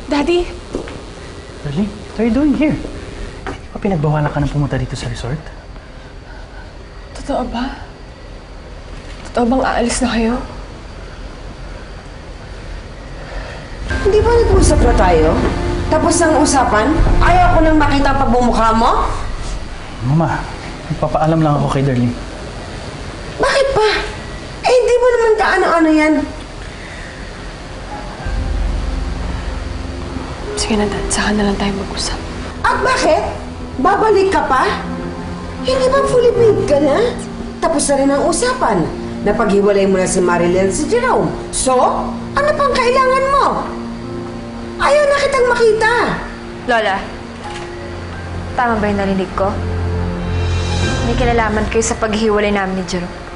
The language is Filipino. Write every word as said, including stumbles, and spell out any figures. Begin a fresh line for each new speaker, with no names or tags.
Daddy?
Darling, what are you doing here? Hindi ba pinagbawalan ka ng pumunta dito sa resort?
Totoo ba? Totoo bang aalis na kayo?
Hindi ba nag-usap na tayo? Tapos ang usapan, ayaw ko nang makita pa bumukha mo?
Mama, nagpapaalam lang ako kay Darling.
Bakit pa? Eh, hindi mo naman kaano-ano yan.
Sige na, Dad. Saka na lang tayo mag-usap.
At bakit? Babalik ka pa? Hindi ba fully paid ka na? Tapos na rin ang usapan. Napaghiwalay mo na si Marilyn at si Jerome. So, ano pang kailangan mo? Ayaw na kitang makita.
Lola, tama ba yung narinig ko? May kinalaman kayo sa paghihiwalay namin ni Jerome.